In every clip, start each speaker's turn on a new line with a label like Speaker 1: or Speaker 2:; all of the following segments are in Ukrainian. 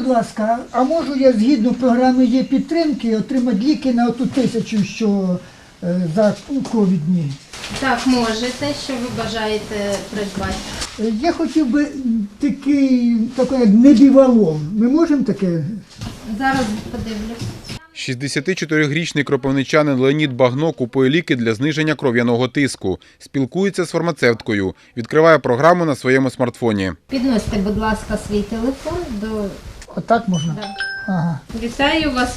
Speaker 1: будь ласка, а можу я згідно програми є підтримки отримати ліки на оту 1000, що за ковідні?
Speaker 2: Так, можете. Що ви бажаєте придбати?
Speaker 1: Я хотів би такий як небівалом. Ми можемо таке?
Speaker 2: Зараз подивлюсь.
Speaker 3: 64-річний кропивничанин Леонід Багно купує ліки для зниження кров'яного тиску. Спілкується з фармацевткою. Відкриває програму на своєму смартфоні.
Speaker 2: Підносьте, будь ласка, свій телефон до...
Speaker 1: Отак можна?
Speaker 2: Да.
Speaker 1: Ага.
Speaker 2: Вітаю вас,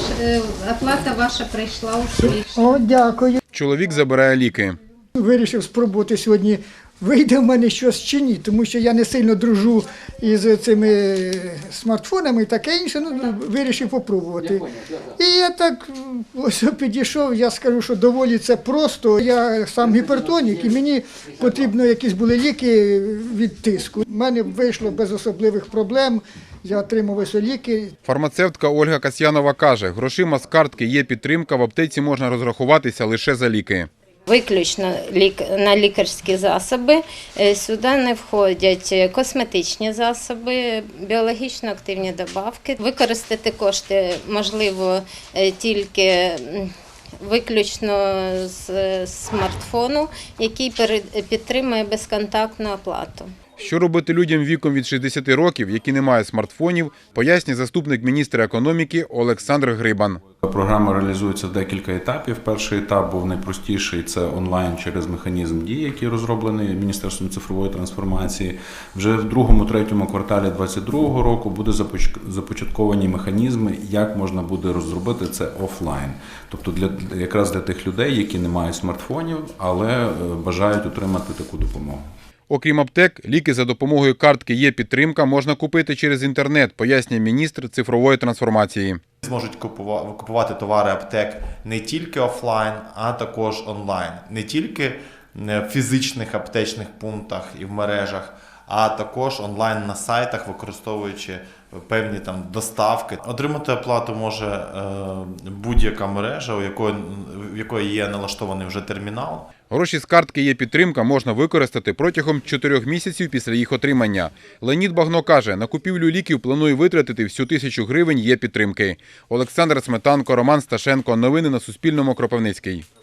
Speaker 2: оплата ваша прийшла успішно.
Speaker 1: О, дякую.
Speaker 3: Чоловік забирає ліки.
Speaker 1: Вирішив спробувати сьогодні, вийде в мене щось чи ні, тому що я не сильно дружу із цими смартфонами і таке інше, вирішив попробувати. І я так ось підійшов, я скажу, що доволі це просто. Я сам гіпертонік і мені потрібно якісь були ліки від тиску. У мене вийшло без особливих проблем. Я отримав ось ліки.
Speaker 3: Фармацевтка Ольга Касьянова каже, грошима з картки є підтримка, в аптеці можна розрахуватися лише за ліки.
Speaker 2: Виключно на лікарські засоби. Сюди не входять косметичні засоби, біологічно активні добавки. Використати кошти можливо тільки виключно з смартфону, який підтримує безконтактну оплату.
Speaker 3: Що робити людям віком від 60 років, які не мають смартфонів, пояснює заступник міністра економіки Олександр Грибан.
Speaker 4: Програма реалізується в декілька етапів. Перший етап був найпростіший – це онлайн через механізм дії, який розроблений Міністерством цифрової трансформації. Вже в другому-третьому кварталі 2022 року буде започатковані механізми, як можна буде розробити це офлайн. Тобто якраз для тих людей, які не мають смартфонів, але бажають отримати таку допомогу.
Speaker 3: Окрім аптек, ліки за допомогою картки є підтримка можна купити через інтернет, пояснює міністр цифрової трансформації.
Speaker 5: Зможуть купувати товари аптек не тільки офлайн, а також онлайн. Не тільки в фізичних аптечних пунктах і в мережах, а також онлайн на сайтах, використовуючи певні доставки. Отримати оплату може будь-яка мережа, в якої є налаштований вже термінал.
Speaker 3: Гроші з картки є підтримка можна використати протягом 4 місяців після їх отримання. Леонід Багно каже, на купівлю ліків планує витратити всю 1000 гривень є підтримки. Олександр Сметанко, Роман Сташенко. Новини на Суспільному. Кропивницький.